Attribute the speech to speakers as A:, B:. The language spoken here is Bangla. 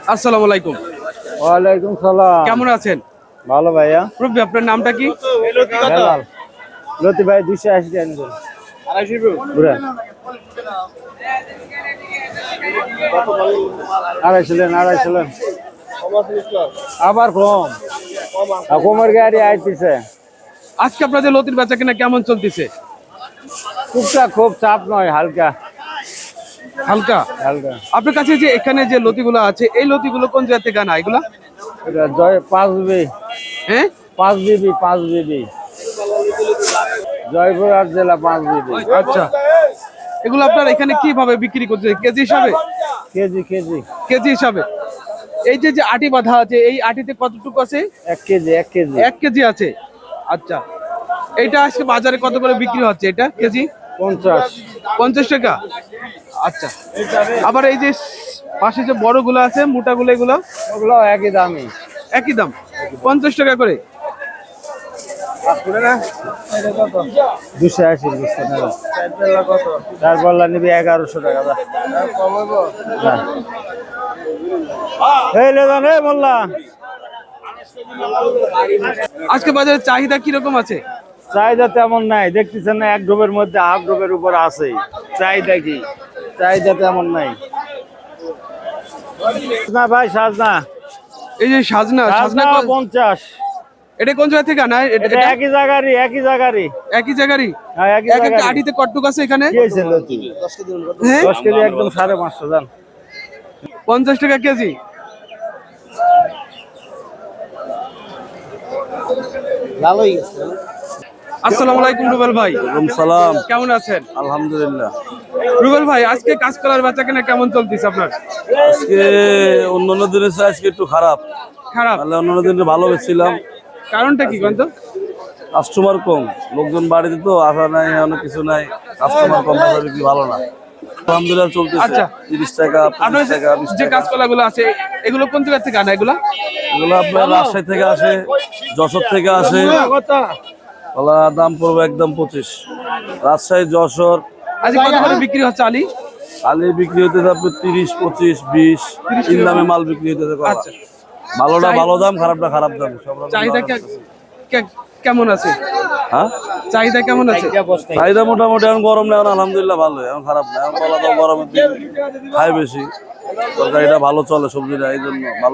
A: আসসালামু আলাইকুম।
B: ওয়ালাইকুম সালাম।
A: কেমন আছেন?
B: ভালো ভাইয়া।
A: মুরব্বি আপনার নামটা কি?
B: হেলাল। লতি ভাই 280 টাকা নিবেন। 250 পুরা। 250 লেন। আবার কম। কমের গাড়ি আইতেছে।
A: আজকে আপনাদের লতির বেচা কিনা কেমন চলতেছে?
B: টুকটাক, খুব চাপ নয়, হালকা
A: হালকা।
B: হালকা।
A: আপনার কাছে যে এখানে যে লতিগুলো আছে এই লতিগুলো কোন জায়গা থেকে আনা এগুলা?
B: এটা জয় 5 বিবি।
A: হ্যাঁ
B: 5 বিবি 5 বিবি। জয়পুরহাট জেলা 5 বিবি।
A: আচ্ছা, এগুলো আপনার এখানে কিভাবে বিক্রি করতে, কেজি হিসাবে?
B: কেজি কেজি
A: কেজি হিসাবে। এই যে যে আটি বাঁধা আছে এই আটিতে কতটুকু আছে?
B: 1 কেজি 1 কেজি
A: 1 কেজি আছে। আচ্ছা, এইটা আজকে বাজারে কত করে বিক্রি হচ্ছে এটা কেজি?
B: 50
A: 50 টাকা। আচ্ছা, আবার এই যে পাশে যে বড়গুলো আছে মোটাগুলো এগুলো
B: ওগুলো একই দামই।
A: একই দাম 50 টাকা করে।
B: 280 বুঝতে না। তারপর নিবি 1100 টাকা দা। কমাবো না। এই লে জান এই মোল্লা।
A: আজকে বাজারে চাহিদা কিরকম আছে?
B: চাহিদা তেমন নাই, দেখতেছেন না, এক ডোবের মধ্যে হাফ ডোবের উপর আছে। চাহিদা কি? চাহিদা তেমন নাই না ভাই। সাজনা,
A: এই যে সাজনা, সাজনা
B: 50।
A: এটা কোন জায়গা থেকে আনা?
B: এটা একই জায়গারই, একই জায়গারই।
A: একই জায়গারই।
B: হ্যাঁ একই
A: এক একটা
B: জায়গারই।
A: আটিতে কটটুক আছে এখানে?
B: কি হইছে লতি? 10 কেজি একদম 550 জান।
A: 50 টাকা কেজি।
B: ভালোই গেছে।
A: আসসালামু আলাইকুম রুবেল ভাই।
B: ওয়ালাইকুম সালাম।
A: কেমন আছেন?
B: আলহামদুলিল্লাহ।
A: রুবেল ভাই, আজকে কাঁচকলার বেচা কেনা কেমন চলতেছে আপনার?
C: আজকে অন্যান্য দিনের চেয়ে আজকে একটু খারাপ।
A: খারাপ।
C: তাহলে অন্যান্য দিনে ভালো বেচছিলাম।
A: কারণটা কি বলতো?
C: কাস্টমার কম, লোকজন বাড়িতে তো আসা নাই, অনেক কিছু নাই, কাস্টমার কম, বেচা বিক্রি ভালো না। আলহামদুলিল্লাহ চলতেছে।
A: আচ্ছা।
C: 30 টাকা,
A: আপনার
C: 25 টাকা, 20
A: যে
C: টাকা।
A: কাঁচকলা গুলো আছে এগুলো কোন জায়গা থেকে আনা এগুলা?
C: এগুলো আপনার রাজশাহী থেকে আসে, যশোর থেকে আসে। কলা দাম পড়বে একদম 25। রাজশাহী, যশোর।
A: আজকে কত করে বিক্রি হচ্ছে আলি?
C: আলি বিক্রি হতেছে আপনার 30, 25, 20 তিন দামে মাল বিক্রি হতেছে কলা।
A: আচ্ছা,
C: ভালোটা ভালো দাম, খারাপটা খারাপ দাম। সব রকম
A: চাহিদা
C: দাম আছে।
A: কেমন আছে?
C: হ্যাঁ,
A: চাহিদা কেমন আছে?
C: চাহিদা মোটামুটি এখন গরম না, এখন আলহামদুলিল্লাহ ভালো, এখন খারাপ না। এখন বলা তো গরমের দিন খায় বেশি, তরকারিটা ভালো চলে, সবজিটা এই জন্য ভালো।